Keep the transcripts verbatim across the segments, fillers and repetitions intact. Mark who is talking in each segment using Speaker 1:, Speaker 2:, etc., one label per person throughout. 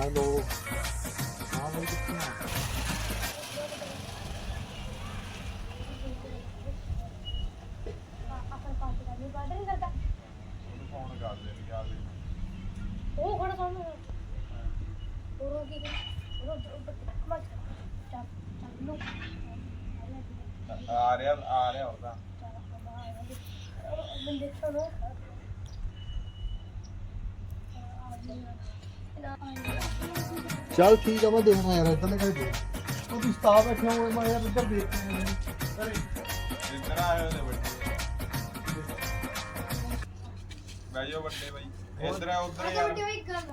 Speaker 1: Hello हाँ भाई कितने हैं फोन कर दे क्या दे ओ बड़ा सामने और की और मत चल लो आ रहा आ रहा होगा बंदे चलो चल ठीक है मैं देखना यार इधर लगा दे तो तू स्टाफ बैठे हुए मैं यार इधर देख अरे इधर आए हो बच्चे भाइयों बच्चे भाई इधर है उधर यार बच्चे भाई गल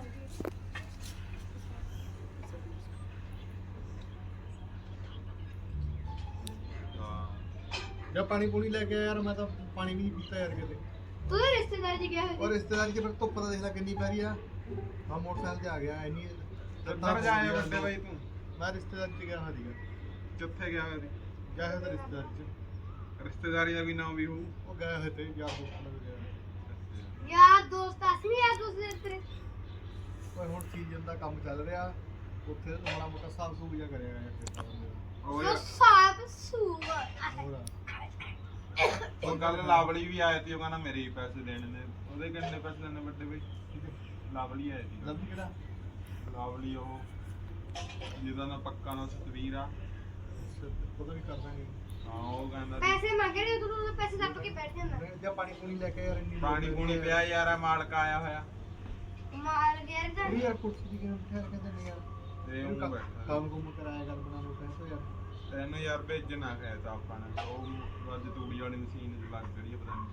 Speaker 1: हां जब पानी पूरी लेके आया यार मैं तो पानी भी नहीं पीता यार किते तू रिश्तेदार जी गया है और रिश्तेदार की फिर तो पता देखना कितनी पै रही है हां मोटरसाइकिल से आ गया इन्हीं किधर जाए बड़े भाई तू मैं रिश्तेदार से गया हां ठीक है किथे गया है क्या है तो रिश्तेदार से रिश्तेदारी का भी नाम भी हूं वो गए हुए थे यार दोस्त लग गया यार दोस्त असली यार दोस्त तेरे कोई और चीज ਦਾ ਕੰਮ ਚੱਲ ਰਿਹਾ ਉੱਥੇ ਥੋੜਾ ਮੋਟਾ ਸਾਫ ਸੂਫ ਜਿਹਾ ਕਰਿਆ ਗਿਆ ਉਹ ਸਾਫ ਸੂਫ ਉਹ ਗੱਲ ਲਾਵਲੀ ਵੀ ਆਈ ਸੀ ਉਹ ਕਹਿੰਦਾ ਮੇਰੇ ਹੀ ਪੈਸੇ ਦੇਣੇ ਨੇ ਉਹਦੇ ਕਿੰਨੇ ਪੈਸੇ ਲੈਣੇ ਵੱਡੇ ਬਈ ਲਾਵਲੀ ਆਇਆ ਸੀ ਲਾਵਲੀ ਕਿਹੜਾ ਲਾਵਲੀ ਉਹ ਜਿਹਦਾ ਨਾ ਪੱਕਾ ਨਾ ਤਸਵੀਰ ਆ ਪਤਾ ਵੀ ਕਰ ਦਾਂਗੇ ਹਾਂ ਉਹ ਕਹਿੰਦਾ ਪੈਸੇ ਮੰਗੇ ਨੇ ਤੂੰ ਪੈਸੇ ਦੱਬ ਕੇ ਬੈਠ ਜਾਂਦਾ ਜਾਂ ਪਾਣੀ ਪੂਣੀ ਲੈ ਕੇ ਯਾਰ ਇੰਨੀ ਪਾਣੀ ਪੂਣੀ ਪਿਆ ਯਾਰ ਆ ਮਾਲਕ ਆਇਆ ਹੋਇਆ ਮਾਲ ਗਿਆ ਤਾਂ ਯਾਰ ਕੁਰਸੀ ਦੀ ਕਿਉਂ ਠਹਿਰ ਕੇ ਦਿੰਦੇ ਯਾਰ ਤੇ ਉਹ ਬੈਠਾ ਕੰਮ ਕੁਮ ਕਰਾਇਆ ਕਰ ਬਣਾ ਲੋ ਪੈਸੇ ਯਾਰ ਤੈਨੂੰ ਯਾਰ ਭੇਜਣਾ ਹੈ ਤਾਂ ਆਪਾਂ ਨੇ ਉਹ ਅੱਜ ਤੂੜੀ ਵਾਲੀ ਮਸ਼ੀਨ ਲੱਗ ਗਈ ਪਤਾ ਨਹੀਂ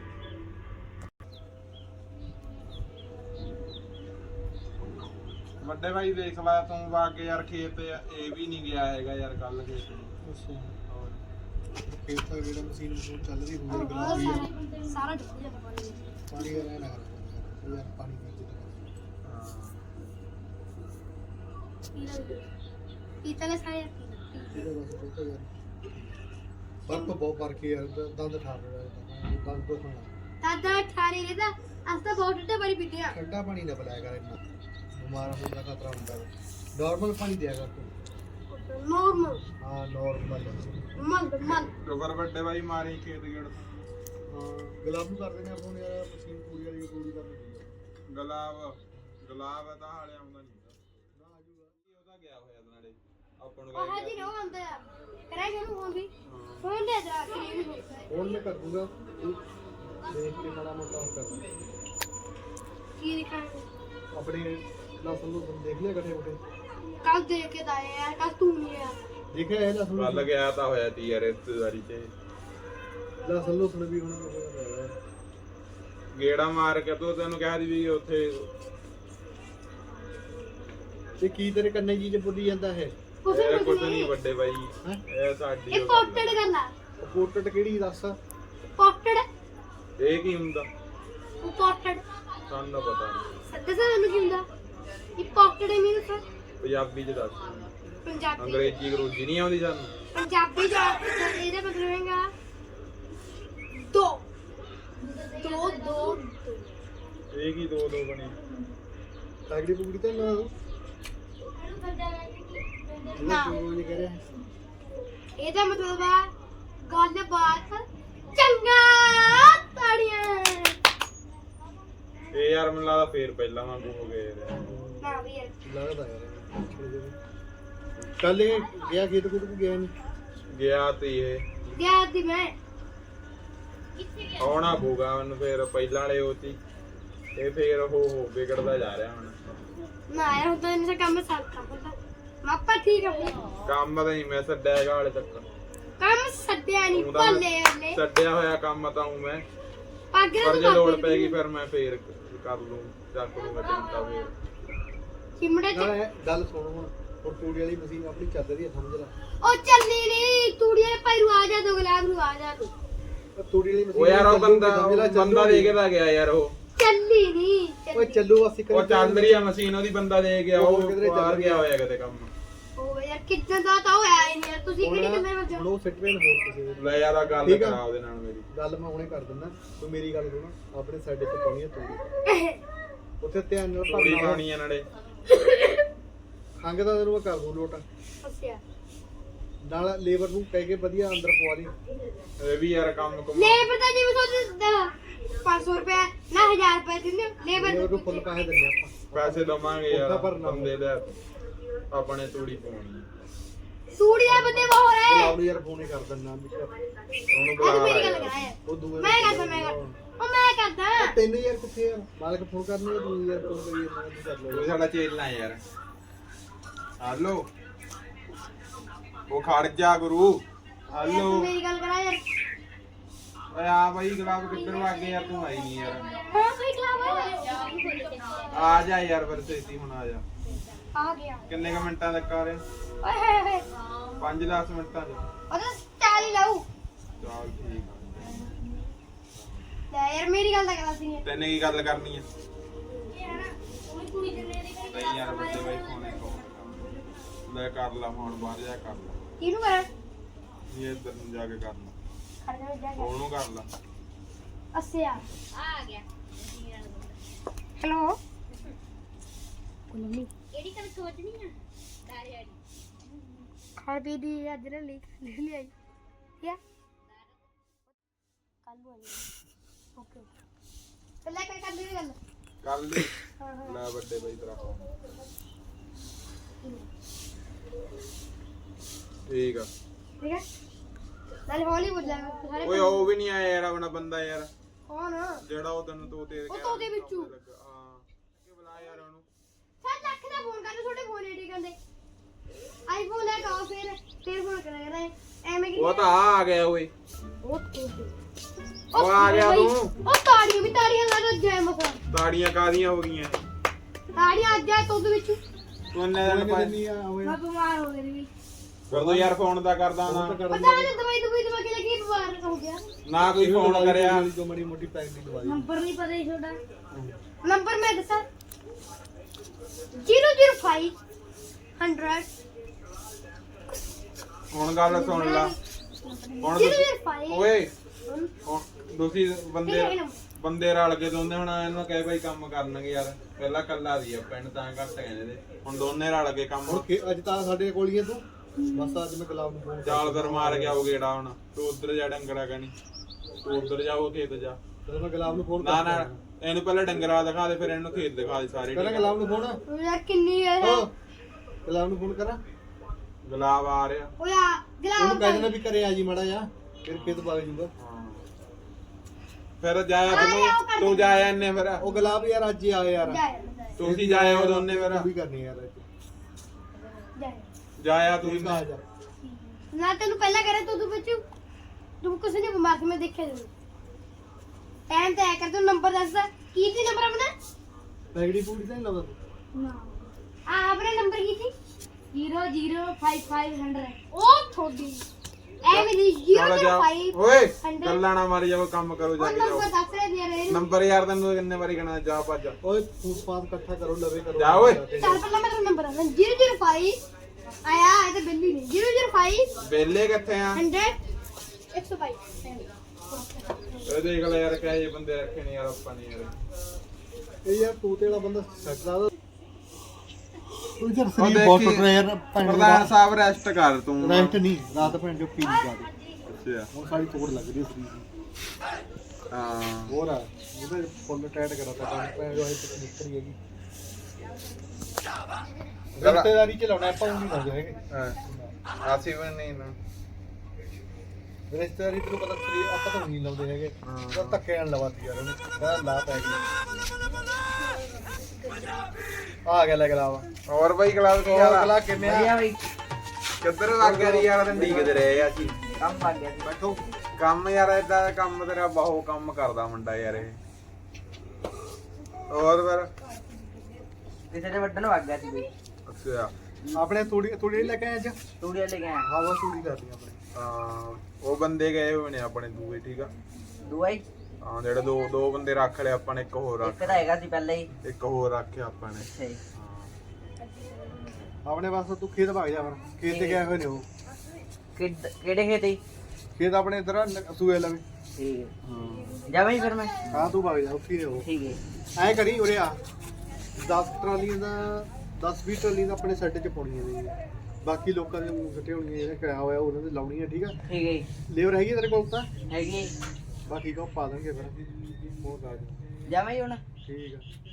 Speaker 1: ਵੱਡੇ ਭਾਈ ਦੇਖ ਲੈ ਤੂੰ ਵਾ ਕੇ ਯਾਰ ਖੇਤ ਇਹ ਵੀ ਨਹੀਂ ਗਿਆ ਹੈਗਾ ਯਾਰ ਕੱਲ ਖੇਤ ਨੂੰ ਅੱਛਾ ਹੋਰ ਖੇਤ ਦਾ ਜਿਹੜਾ ਮਸ਼ੀਨ ਮਸ਼ੀਨ ਚੱਲ ਰਹੀ ਹੁੰਦੀ ਗਲਾਬੀ ਸਾਰਾ ਡੁੱਬ ਜਾਂਦਾ ਪਾਣੀ ਪਾਣੀ ਦਾ ਰਹਿਣਾ ਯਾਰ ਪਾਣੀ ਪੀ ਹਾਂ ਪੀਤਾ ਲੈ ਸਾਰੇ ਪੀਤਾ ਬਸ ਪੀਤਾ ਯਾਰ ਬਰਫ ਬਹੁਤ ਭਰ ਕੇ ਯਾਰ ਦੰਦ ਠਾਰ ਰਿਹਾ ਦੰਦ ਤੋਂ ਖਾਣਾ ਦੰਦ ਠਾਰੇ ਰਹਿਦਾ ਅਸ ਤਾਂ ਬਹੁਤ ਠੰਡਾ ਪਾਣੀ ਪੀਂਦੇ ਆ ਠੰਡਾ ਪਾਣੀ ਨਾ ਪਿਲਾਇਆ ਕਰ ਇੰਨਾ ਬਿਮਾਰ ਹੋਣ ਦਾ ਖਤਰਾ ਹੁੰਦਾ ਹੈ ਨਾਰਮਲ ਪਾਣੀ ਦਿਆ ਕਰ ਤੂੰ ਨਾਰਮਲ ਹਾਂ ਨਾਰਮਲ ਮਲ ਮਲ ਟੋਕਰ ਵੱਡੇ ਭਾਈ ਮਾਰੀ ਖੇਤ ਗੇੜ ਹਾਂ ਗਲਾਬ ਨੂੰ ਕਰ ਦੇਣੇ ਆਪਾਂ ਯਾਰ ਮਸ਼ੀਨ ਪੂਰੀ ਵਾਲੀ ਪੂਰੀ ਕਰ ਦਿੰਦੀ ਗਲਾਬ ਗਲਾਬ ਤਾਂ ਹਾਲੇ ਆਉਂਦਾ ਨਹੀਂ ਨਾ ਆਜੂਗਾ ਉਹਦਾ ਗਿਆ ਹੋਇਆ ਨਾਲੇ ਆਪਾਂ ਨੂੰ ਉਹ ਜੀ ਨੋ ਆਉਂਦਾ ਆ ਕਰਾਈ ਜਨੂੰ ਫੋਨ ਵੀ ਫੋਨ ਦੇ ਜਾ ਕੇ ਫੋਨ ਮੈਂ ਕਰ ਦੂੰਗਾ ਦੇਖ ਕੇ ਬੜਾ ਮੋਟਾ ਹੋ ਕਰ ਕੀ ਦਿਖਾਂ ਆਪਣੇ ਲਸਣ ਨੂੰ ਦੇਖ ਲਿਆ ਇਕੱਠੇ ਉਠੇ ਕੱਲ ਦੇਖ ਕੇ ਤਾਂ ਆਏ ਯਾਰ ਕੱਲ ਤੂੰ ਨਹੀਂ ਆਇਆ ਦੇਖਿਆ ਇਹ ਲਸਣ ਕੱਲ ਗਿਆ ਤਾਂ ਹੋਇਆ ਤੀ ਯਾਰ ਰਿਸ਼ਤੇਦਾਰੀ ਤੇ ਲਸਣ ਲਸਣ ਵੀ ਹੁਣ ਗੇੜਾ ਮਾਰ ਕੇ ਤੂੰ ਤੈਨੂੰ ਕਹਿ ਦੀ ਵੀ ਉੱਥੇ ਤੇ ਕੀ ਤੇਰੇ ਕੰਨੇ ਜੀ ਚ ਬੁੱਲੀ ਜਾਂਦਾ ਹੈ ਇਹ ਕੁਝ ਨਹੀਂ ਵੱਡੇ ਬਾਈ ਇਹ ਸਾਡੀ ਇਹ ਪੋਟੜ ਕਰਨਾ ਪੋਟੜ ਕਿਹੜੀ ਦੱਸ ਪੋਟੜ ਇਹ ਕੀ ਹੁੰਦਾ ਉਹ ਪੋਟੜ ਸਾਨੂੰ ਪਤਾ ਨਹੀਂ ਦੱਸ ਮੈਨੂੰ ਕੀ ਹੁੰਦਾ ਇਹ ਪੋਟੜ ਮੀਨਸ ਪੰਜਾਬੀ ਚ ਦੱਸ ਪੰਜਾਬੀ ਅੰਗਰੇਜ਼ੀ ਅੰਗਰੂਜੀ ਨਹੀਂ ਆਉਂਦੀ ਸਾਨੂੰ ਪੰਜਾਬੀ ਚ ਇਹਦਾ ਮਤਲਬ ਹੈਗਾ ਦੋ ਦੋ ਦੋ ਇਹ ਕੀ ਦੋ ਦੋ ਬਣੀ ਤਾਗੜੀ ਪੁਗੜੀ ਤਾਂ ਨਾ ਨਾ ਇਹਦਾ ਮਤਲਬ ਆ ਗੱਲ ਬਾਤ ਚੰਗਾ ਤਾੜੀਆਂ ਇਹ ਯਾਰ ਮੈਨੂੰ ਲੱਗਦਾ ਫੇਰ ਪਹਿਲਾਂ ਵਾਂਗੂ ਹੋ ਗਏ ਯਾਰ ਨਾ ਵੀ ਯਾਰ ਲੱਗਦਾ ਯਾਰ ਕੱਲ ਗਿਆ ਖੇਤ ਕੁੱਟ ਗਿਆ ਨਹੀਂ ਗਿਆ ਤੇ ਇਹ ਗਿਆ ਤੇ ਮੈਂ ਕਿੱਥੇ ਗਿਆ ਆਉਣਾ ਪਊਗਾ ਉਹਨੂੰ ਫੇਰ ਪਹਿਲਾਂ ਵਾਲੇ ਉਹ ਸੀ ਇਹ ਫੇਰ ਹੋ ਹੋ ਵਿਗੜਦਾ ਜਾ ਰਿਹਾ ਹੁਣ ਨਾ ਯਾਰ ਹੁਣ ਤਾਂ ਇਹਨੇ ਕੰਮ ਸਾਥਾ ਹੁੰਦਾ ਮਾਪਾ ਠੀਕ ਆ ਕੰਮ ਤਾਂ ਨਹੀਂ ਮੈਂ ਛੱਡਿਆ ਹੈਗਾ ਵਾਲੇ ਤੱਕ ਕੰਮ ਛੱਡਿਆ ਨਹੀਂ ਭੱਲੇ ਉਹਨੇ ਛੱਡਿਆ ਹੋਇਆ ਕੰਮ ਤਾਂ ਹੂੰ ਮੈਂ ਪਰ ਜੇ ਲੋੜ ਪੈਗੀ ਫਿਰ ਮੈਂ ਫੇਰ ਕਰ ਲੂੰ ਚੱਕ ਲੂੰਗਾ ਚਿੰਤਾ ਫੇਰ ਚਿਮੜੇ ਚ ਗੱਲ ਸੁਣ ਹੁਣ ਉਹ ਤੂੜੀ ਵਾਲੀ ਮਸ਼ੀਨ ਆਪਣੀ ਚੱਲ ਰਹੀ ਹੈ ਸਮਝ ਲੈ ਉਹ ਚੱਲੀ ਨਹੀਂ ਤੂੜੀ ਵਾਲੇ ਭਾਈ ਨੂੰ ਆ ਜਾ ਦੋ ਗੁਲਾਬ ਨੂੰ ਆ ਜਾ ਤੂੰ ਉਹ ਤੂੜੀ ਵਾਲੀ ਮਸ਼ੀਨ ਉਹ ਯਾਰ ਉਹ ਬੰਦਾ ਬੰਦਾ ਦੇ ਕੇ ਤਾਂ ਗਿਆ ਯਾਰ ਉਹ ਚੱਲੀ ਨਹੀਂ ਓਏ ਚੱਲੂ ਅਸੀਂ ਉਹ ਚੱਲ ਰਹੀ ਆ ਮਸ਼ੀਨ ਉਹਦੀ ਬੰਦਾ ਦੇ ਗਿਆ ਉਹ ਬਾਹਰ ਗਿਆ ਹੋਇਆ ਕਿਤੇ ਕੰਮ ਉਹ ਯਾਰ ਕਿੱਦਾਂ ਦਾ ਤਾਂ ਹੋਇਆ ਨਹੀਂ ਯਾਰ ਤੁਸੀਂ ਕਿਹੜੀ ਕਿੰਨੇ ਵਜੇ ਹੁਣ ਉਹ ਫਿਟਮੈਨ ਹੋਰ ਕਿਸੇ ਲੈ ਯਾਰ ਆ ਗੱਲ ਕਰਾ ਉਹਦੇ ਨਾਲ ਮੇਰੀ ਗੱਲ ਮੈਂ ਹੁਣੇ ਕਰ ਦਿੰਦਾ ਤੂੰ ਮੇਰੀ ਗੱਲ ਸੁਣ ਆਪਣੇ ਸਾਈਡ ਤੇ ਪਾਉਣੀ ਹੈ ਤੂੜੀ ਉੱਥੇ ਧਿਆਨ ਨਾਲ ਪਾਉਣੀ ਆ ਨਾਲੇ
Speaker 2: ਖੰਗ ਦਾ ਤੈਨੂੰ ਮੈਂ ਕਰ ਦੂੰ ਲੋਟ
Speaker 1: ਅੱਛਾ
Speaker 2: ਨਾਲ ਲੇਬਰ ਨੂੰ ਕਹਿ ਕੇ ਵਧੀਆ ਅੰਦਰ ਪਵਾ ਲਈ
Speaker 3: ਇਹ ਵੀ ਯਾਰ ਕੰਮ ਕੁਮ
Speaker 1: ਲੈ ਪਤਾ ਜੀ ਮੈਂ ਸੋਚ ਪੰਜ ਸੌ ਰੁਪਏ ਨਾ ਹਜ਼ਾਰ ਰੁਪਏ ਦਿੰਦੇ ਲੇਬਰ
Speaker 2: ਲੇਬਰ ਨੂੰ ਫੁੱਲ ਪੈਸੇ ਦਿੰਦੇ ਆਪਾਂ
Speaker 3: ਪੈਸੇ ਦਵਾਂਗੇ ਯਾਰ
Speaker 2: ਉਹਦਾ ਭਰਨਾ।
Speaker 3: ਬੰਦੇ ਦਾ ਆਪਣੇ ਤੂੜੀ ਪਾਉਣੀ
Speaker 1: ਸੂੜੀ ਦੇ ਬੰਦੇ ਬਹੁਤ ਹੈ
Speaker 2: ਲਾਉਣੀ ਯਾਰ ਫੋਨ ਹੀ ਕਰ ਦਿੰਦਾ ਵੀ ਕਰ।
Speaker 3: ਉਹਨੂੰ
Speaker 1: ਅੱਜ
Speaker 3: ਬੁਲਾ
Speaker 1: ਮੇਰੀ ਗੱਲ
Speaker 3: ਯਾਰ।
Speaker 1: ਕਰਾ ਯਾਰ
Speaker 2: ਉਹ ਦੂਏ
Speaker 1: ਮੈਂ ਕਰਦਾ ਮੈਂ ਕਰਦਾ ਉਹ ਮੈਂ ਕਰਦਾ
Speaker 2: ਤੈਨੂੰ ਯਾਰ ਕਿੱਥੇ ਯਾਰ ਮਾਲਕ ਫੋਨ ਕਰਨੀ ਹੈ ਤੂੰ ਯਾਰ ਫੋਨ ਕਰੀ ਜਾਂਦਾ ਤੂੰ ਕਰ
Speaker 3: ਤੂੰ
Speaker 2: ਲਓ
Speaker 3: ਸਾਡਾ ਚੇਲਣਾ ਯਾਰ ਹਲੋ ਉਹ ਖੜ ਜਾ ਗੁਰੂ
Speaker 1: ਯਾਰ
Speaker 3: ਹਲੋ
Speaker 1: ਤੂੰ ਮੇਰੀ ਗੱਲ ਕਰਾ ਯਾਰ
Speaker 3: ਓਏ ਆ ਬਾਈ ਗੁਲਾਬ ਕਿੱਧਰ ਵਗ ਗਏ ਯਾਰ ਤੂੰ ਆਈ ਨਹੀਂ ਯਾਰ
Speaker 1: ਹਾਂ ਕੋਈ ਕਲਾਵਾ
Speaker 3: ਆ ਜਾ ਯਾਰ ਫਿਰ ਛੇਤੀ ਹੁਣ ਆ ਜਾ
Speaker 1: ਆ ਗਿਆ
Speaker 3: ਕਿੰਨੇ ਕ ਮਿੰਟਾਂ ਤੱਕ ਆ ਰਹੇ
Speaker 1: ਓਏ ਹੋਏ ਹੋਏ
Speaker 3: ਪੰਜ ਦਸ ਮਿੰਟਾਂ ਚ
Speaker 1: ਉਹਦਾ ਚਾਲੀ ਲਾਉ
Speaker 3: ਚੱਲ ਠੀਕ ਆ
Speaker 1: ਲੈ ਯਾਰ ਮੇਰੀ ਗੱਲ ਤਾਂ ਕਰਾ ਸੀ
Speaker 3: ਤੈਨੇ ਕੀ ਗੱਲ ਕਰਨੀ ਆ
Speaker 1: ਇਹ ਹੈ ਨਾ ਉਹ ਕੁੜੀ ਦੇ ਨੇੜੇ ਕਰੀ
Speaker 3: ਨਹੀਂ ਯਾਰ ਬੱਚੇ ਬਾਈ ਫੋਨ ਇੱਕ ਲੈ ਕਰ ਲਾ ਫੋਨ ਬਾਹਰ ਜਾ ਕਰ ਲਾ
Speaker 1: ਕਿਹਨੂੰ ਕਰਾਂ
Speaker 3: ਇਹ ਇੱਧਰ ਨੂੰ ਜਾ ਕੇ ਕਰ ਲਾ
Speaker 1: ਖੜ ਜਾ ਜਾ ਕੇ।
Speaker 3: ਉਹਨੂੰ ਕਰ ਲਾ
Speaker 1: ਅੱਛਾ ਆ ਗਿਆ ਹੈਲੋ ਕੋਲਮੀ ਕਿਹੜੀ ਕਰ ਸੋਚਣੀ ਆ ਤਾਰੇ ਵਾਲੀ ਖਾ ਪੀ ਦੀ ਅੱਜ ਨਾ ਲਈ ਲੈ ਲਈ ਆਈ ਠੀਕ ਹੈ ਕੱਲ ਨੂੰ ਆਈ ਓਕੇ ਚੱਲ ਕਰ ਕਰ ਲਈ ਗੱਲ
Speaker 3: ਕਰ ਲਈ
Speaker 1: ਹਾਂ ਹਾਂ
Speaker 3: ਲੈ ਵੱਡੇ ਬਾਈ ਤੇਰਾ ਫੋਨ ਠੀਕ ਆ
Speaker 1: ਠੀਕ ਹੈ ਨਾਲ ਹੌਲੀ ਬੋਲ ਜਾ ਸਾਰੇ
Speaker 3: ਓਏ ਉਹ ਵੀ ਨਹੀਂ ਆਇਆ ਯਾਰ ਆਪਣਾ ਬੰਦਾ ਯਾਰ
Speaker 1: ਕੌਣ
Speaker 3: ਜਿਹੜਾ ਉਹ ਤੈਨੂੰ ਤੂੰ ਤੇਰੇ
Speaker 1: ਉਹ ਤਾਂ ਉਹਦੇ ਵਿੱਚੋਂ।
Speaker 3: ਹਾਂ ਕਿ ਬੁਲਾ ਯਾਰ ਉਹਨੂੰ
Speaker 1: ਸੱਤ ਲੱਖ ਦਾ ਫੋਨ ਕਰ ਤੁਹਾਡੇ ਫੋਨ ਏਡੀ ਕਰਦੇ ਆਈਫੋਨ ਲੈ ਕੇ ਆਓ ਫਿਰ ਫਿਰ ਫੋਨ ਕਰਿਆ ਕਰਾਂ ਐਵੇਂ ਕਿ
Speaker 3: ਉਹ ਤਾਂ ਆ ਆ ਗਿਆ ਓਏ
Speaker 1: ਉਹ ਤੋਂ
Speaker 3: ਉਹ ਆ ਗਿਆ ਤੂੰ
Speaker 1: ਉਹ ਤਾੜੀਆਂ ਵੀ ਤਾੜੀਆਂ ਲਾ ਦੋ ਜੈ ਮਸਾ
Speaker 3: ਤਾੜੀਆਂ ਕਾਦੀਆਂ ਹੋ ਗਈਆਂ
Speaker 1: ਤਾੜੀਆਂ ਅੱਜ ਆ ਤੁਧ ਵਿੱਚ
Speaker 3: ਤੂੰ ਇੰਨੇ ਦਿਨ
Speaker 2: ਕੋਈ
Speaker 3: ਪਾ
Speaker 2: ਨਹੀਂ ਆ ਓਏ
Speaker 1: ਮੈਂ ਬਿਮਾਰ ਹੋ ਗਈ ਵੀ
Speaker 3: ਕਰ ਦੋ ਯਾਰ ਫੋਨ ਦਾ ਕਰਦਾ ਨਾ
Speaker 1: ਪਤਾ ਨਹੀਂ ਦਵਾਈ ਦਵਾਈ ਦਵਾ ਕੇ ਲੱਗੀ ਬਿਮਾਰ ਹੋ ਗਿਆ
Speaker 3: ਨਾ ਕੋਈ ਫੋਨ ਕਰਿਆ
Speaker 2: ਜੋ ਮੜੀ ਮੋਟੀ ਪੈਕ ਦੀ ਦਵਾਈ
Speaker 1: ਨੰਬਰ ਨਹੀਂ ਪਤਾ ਹੀ ਤੁਹਾਡਾ ਨੰਬਰ ਮੈਂ ਦੱਸਾਂ ਜ਼ੀਰੋ ਜ਼ੀਰੋ ਫਾਈਵ ਹੰਡਰਡ
Speaker 3: ਹੁਣ ਗੱਲ ਸੁਣ ਲਾ ਹੁਣ
Speaker 1: ਜ਼ੀਰੋ
Speaker 3: ਤੁਸੀਂ-
Speaker 1: ਜ਼ੀਰੋ ਫਾਈਵ
Speaker 3: ਓਏ ਹੁਣ ਤੁਸੀਂ ਬੰਦੇ ਬੰਦੇ ਰਲ ਕੇ ਦੋਨੇ ਹੁਣ ਇਹਨੂੰ ਕਹੇ ਬਾਈ ਕੰਮ ਕਰਨਗੇ ਯਾਰ ਪਹਿਲਾਂ ਕੱਲਾ ਦੀ ਆ ਪਿੰਡ ਤਾਂ ਘੱਟ ਕਹਿੰਦੇ ਤੇ ਹੁਣ ਦੋਨੇ ਰਲ ਕੇ ਕੰਮ
Speaker 2: ਹੁਣ ਕਿ- ਅੱਜ ਤਾਂ ਸਾਡੇ ਕੋਲ ਹੀ ਹੈ ਤੂੰ ਬਸ ਅੱਜ ਮੈਂ ਗੁਲਾਬ ਨੂੰ ਫੋਨ
Speaker 3: ਚਾਲ ਫਿਰ ਮਾਰ ਗਿਆ ਉਹ ਗੇੜਾ ਹੁਣ ਤੂੰ ਉਧਰ ਜਾ ਡੰਗਰਾ ਕਹਣੀ ਤੂੰ ਉਧਰ ਜਾ ਉਹ ਖੇਤ ਜਾ
Speaker 2: ਜਦੋਂ ਮੈਂ ਗੁਲਾਬ ਨੂੰ ਫੋਨ
Speaker 3: ਨਾ ਨਾ ਇਹਨੂੰ ਪਹਿਲਾਂ ਡੰਗਰਾ ਦਿਖਾ ਦੇ ਫਿਰ ਇਹਨੂੰ ਖੇਤ ਦਿਖਾ ਦੇ ਸਾਰੇ
Speaker 2: ਪਹਿਲਾਂ ਗੁਲਾਬ ਨੂੰ ਫੋਨ
Speaker 1: ਯਾਰ ਕਿੰਨੀ ਹੈ
Speaker 2: ਓ ਗੁਲਾਬ ਨੂੰ ਫੋਨ ਕਰਾਂ
Speaker 3: ਗੁਲਾਬ ਆ ਰਿਹਾ
Speaker 1: ਓਏ ਆ
Speaker 2: ਉਹਨੂੰ
Speaker 1: ਗਲਾਬ
Speaker 2: ਕਹਿ ਦੇਣਾ ਵੀ ਘਰੇ ਆ ਜੀ ਮਾੜਾ ਜਾ ਫਿਰ ਖੇਤ ਪਾ ਜੂਗਾ
Speaker 3: ਹਾਂ ਫਿਰ ਜਾਇਆ ਤੂੰ ਤੂੰ ਜਾਇਆ ਇਹਨੇ ਫਿਰ
Speaker 2: ਉਹ ਗੁਲਾਬ ਯਾਰ ਅੱਜ ਹੀ ਆ ਯਾਰ
Speaker 3: ਤੁਸੀਂ ਜਾਇਆ ਉਹ ਦੋਨੇ ਫਿਰ
Speaker 2: ਤੂੰ ਵੀ ਕਰਨੀ ਯਾਰ ਅੱਜ
Speaker 3: ਜਾਇਆ ਤੂੰ
Speaker 2: ਤੂੰ ਆ ਜਾ
Speaker 1: ਨਾ ਤੈਨੂੰ ਪਹਿਲਾਂ ਕਰੇ ਤੂੰ ਤੂੰ ਬੱਚੂ ਤੂੰ ਕੁਛ ਨਹੀਂ ਬਿਮਾਰ ਸੀ ਮੈਂ ਦੇਖਿਆ ਤੈਨੂੰ ਟਾਈਮ ਤੇ ਆਇਆ ਕਰ ਤੂੰ ਨੰਬਰ ਦੱਸ ਕੀ ਸੀ ਨੰਬਰ ਆਪਣਾ
Speaker 2: ਪੈਗੜੀ ਪੂੜੀ ਤਾਂ ਨਹੀਂ ਲਾਉਂਦਾ ਤੂੰ
Speaker 1: ਨਾ ਆ ਆਪਣਾ ਨੰਬਰ ਕੀ ਸੀ zero zero five five hundred ਉਹ ਥੋੜੀ ਐਵੇਂ ਦੀ ਜ਼ੀਰੋ
Speaker 3: ਚਲੋ
Speaker 1: ਜ਼ੀਰੋ
Speaker 3: ਜਾ
Speaker 1: ਫਾਈਵ
Speaker 3: ਓਏ ਗੱਲਾਂ ਨਾ ਮਾਰੀ ਜਾਓ ਕੰਮ ਕਰੋ ਜਾ
Speaker 1: ਉਹ
Speaker 3: ਕੇ ਜਾਓ
Speaker 1: ਨੰਬਰ ਦੱਸ ਰਿਹਾ ਯਾਰ ਇਹ
Speaker 3: ਨੰਬਰ ਯਾਰ ਤੈਨੂੰ ਕਿੰਨੇ ਵਾਰੀ ਕਹਣਾ ਜਾ ਭੱਜ
Speaker 2: ਓਏ ਫੂਟ ਪਾਸ ਇਕੱਠਾ ਕਰੋ ਲਵੇ ਕਰੋ
Speaker 3: ਜਾ ਓਏ।
Speaker 1: ਚੱਲ ਪਹਿਲਾਂ ਮੇਰਾ ਨੰਬਰ ਆ ਜ਼ੀਰੋ ਜ਼ੀਰੋ ਫਾਈਵ ਆਇਆ ਇਹ ਤਾਂ ਬਿੱਲੀ ਨਹੀਂ ਜ਼ੀਰੋ ਜ਼ੀਰੋ ਫਾਈਵ
Speaker 3: ਵੇਲੇ ਕਿੱਥੇ ਆ
Speaker 1: ਹੰਡਰਡ ਇੱਕ ਸੌ ਬਾਈ
Speaker 3: ਇਹ ਦੇਖ ਲੈ ਯਾਰ ਕਿਹੋ ਜਿਹੇ ਬੰਦੇ ਰੱਖੇ ਨੇ ਯਾਰ ਆਪਾਂ ਨੇ ਯਾਰ
Speaker 2: ਇਹ ਯਾਰ ਤੂੰ ਤੇ ਵਾਲਾ ਬੰਦਾ ਸਕਦਾ ਤੂੰ ਜਰ
Speaker 3: ਉਹ
Speaker 2: ਸਰੀਰ
Speaker 3: ਦੇਖੀ,
Speaker 2: ਬਹੁਤ ਟੁੱਟ ਰਿਹਾ ਯਾਰ
Speaker 3: ਪ੍ਰਧਾਨ ਸਾਹਿਬ ਰੈਸਟ ਕਰ ਤੂੰ
Speaker 2: ਰੈਸਟ ਨਹੀਂ ਰਾਤ ਭੈਣ ਜੋ ਪੀ ਨਹੀਂ ਪਾਦੇ
Speaker 3: ਅੱਛਾ
Speaker 2: ਹੁਣ ਸਾਰੀ ਤੋੜ ਲੱਗ ਰਹੀ ਹੈ ਸਰੀਰ ਦੀ
Speaker 3: ਹਾਂ
Speaker 2: ਹੋਰ ਆ ਉਹਦੇ ਫੁੱਲ ਟਾਈਟ ਕਰਾ ਤਾ ਕੰਮ ਭੈਣ ਜੋ ਹੈ ਤੇ ਨਿਕਲੀ ਹੈਗੀ ਰਿਸ਼ਤੇਦਾਰੀ ਚ ਲਾਉਣਾ ਆਪਾਂ ਉਹ ਨਹੀਂ ਲਾਉਂਦੇ ਹੈਗੇ
Speaker 3: ਹਾਂ ਆਸੀ ਵੀ ਨਹੀਂ ਨਾ
Speaker 2: ਰਿਸ਼ਤੇਦਾਰੀ ਤੈਨੂੰ ਪਤਾ ਸਰੀਰ ਆਪਾਂ ਤਾਂ ਨਹੀਂ ਲਾਉਂਦੇ ਹੈਗੇ
Speaker 3: ਹਾਂ।
Speaker 2: ਉਹ ਧੱਕੇ ਨਾਲ ਲਵਾਤੀ ਯਾਰ ਉਹਨੇ ਕਹਿੰਦਾ ਲਾ ਪੈ ਗਈ ਆ ਗਿਆ ਲੈ ਗਲਾਵਾ
Speaker 3: ਹੋਰ ਬਾਈ ਗਲਾਬ ਕੀ
Speaker 2: ਹੋਰ
Speaker 3: ਹਾਲ
Speaker 2: ਗਲਾ
Speaker 3: ਆ
Speaker 2: ਕਿਵੇਂ ਆ
Speaker 3: ਕਿੱਧਰ ਲੱਗ ਗਿਆ ਜੀ ਯਾਰ ਤੈਨੂੰ ਡੀਕਦੇ ਰਹੇ ਅਸੀਂ
Speaker 2: ਕੰਮ ਲੱਗ ਗਿਆ ਬੈਠੋ
Speaker 3: ਕੰਮ ਯਾਰ ਏਦਾਂ ਦਾ ਕੰਮ ਤੇਰਾ ਬਹੁਤ ਕੰਮ ਕਰਦਾ ਮੁੰਡਾ ਯਾਰ ਇਹ ਹੋਰ ਫਿਰ
Speaker 4: ਕਿਸੇ ਦੇ ਵੱਡਣ ਵਗ ਗਿਆ ਸੀ ਬਈ
Speaker 3: ਅੱਛਾ
Speaker 2: ਆਪਣੇ ਤੂੜੀ ਤੂੜੀ ਲੈ ਕੇ ਆਏ ਅੱਜ
Speaker 4: ਤੂੜੀ ਲੈ ਕੇ ਆਇਆ
Speaker 2: ਹਵਾ ਤੂੜੀ ਕਰਦੀ ਆਪਣੇ
Speaker 3: ਹਾਂ ਉਹ ਬੰਦੇ ਗਏ ਹੋਏ ਨੇ ਆਪਣੇ ਦੂਏ ਠੀਕ ਆ
Speaker 4: ਦੁਆਈ
Speaker 3: ਹਾਂ ਜਿਹੜੇ ਦੋ ਦੋ ਬੰਦੇ ਰੱਖ ਲਏ ਆਪਾਂ ਨੇ ਇੱਕ ਹੋਰ
Speaker 4: ਇੱਕ
Speaker 3: ਰੱਖ
Speaker 4: ਤਾਂ ਹੈਗਾ ਸੀ ਪਹਿਲਾਂ ਹੀ
Speaker 3: ਇੱਕ ਹੋਰ ਰੱਖਿਆ ਆਪਾਂ ਨੇ
Speaker 4: ਅੱਛਾ ਜੀ
Speaker 3: ਹਾਂ
Speaker 2: ਆਪਣੇ ਵਾਸਤੇ ਤੂੰ ਖੇਤ ਭਾਗ ਜਾ ਫਿਰ ਖੇਤ ਤੇ ਗਏ ਹੋਏ ਨੇ ਉਹ
Speaker 4: ਕਿੱਡ- ਕਿਹੜੇ ਖੇਤ ਸੀ
Speaker 2: ਖੇਤ ਆਪਣੇ ਇਧਰ ਆ, ਨ- ਸੂਏ ਲਵੇ
Speaker 4: ਠੀਕ ਹੈ
Speaker 2: ਹਾਂ
Speaker 4: ਜਾਵਾਂ ਜੀ ਫਿਰ ਮੈਂ
Speaker 2: ਹਾਂ ਤੂੰ ਭਾਗ ਜਾ ਉੱਥੇ ਹੀ ਨੇ ਉਹ
Speaker 4: ਠੀਕ ਹੈ
Speaker 2: ਐ ਕਰੀ ਉਰੇ ਆ ਦਸ ਟਰਾਲੀਆਂ ਦਾ ਦਸ ਵੀਹ ਟਰਾਲੀ ਤਾਂ ਆਪਣੇ ਸੈੱਟ 'ਚ ਪਾਉਣੀਆਂ ਨੇ ਜੀ। ਬਾਕੀ ਲੋਕਾਂ ਦੇ ਮੂੰਹ ਸੱਟੇ ਹੋਣੀਆਂ ਜਿਹੜੇ ਕਿਰਾਇਆ ਹੋਇਆ ਉਹਨਾਂ ਦੇ ਲਾਉਣੀਆਂ ਠੀਕ ਆ।
Speaker 4: ਠੀਕ ਹੈ ਜੀ
Speaker 2: ਲੇਬਰ ਹੈਗੀ ਤੇਰੇ ਕੋਲ ਤਾਂ
Speaker 4: ਹੈਗੀ ਹੈ
Speaker 2: ਬਸ ਠੀਕ ਆ ਉਹ ਪਾ ਦਾਂਗੇ ਫਿਰ ਹੋਰ ਦੱਸ ਦਿਓ।
Speaker 4: ਜਾਵਾਂ ਜੀ ਹੁਣ
Speaker 2: ਠੀਕ ਆ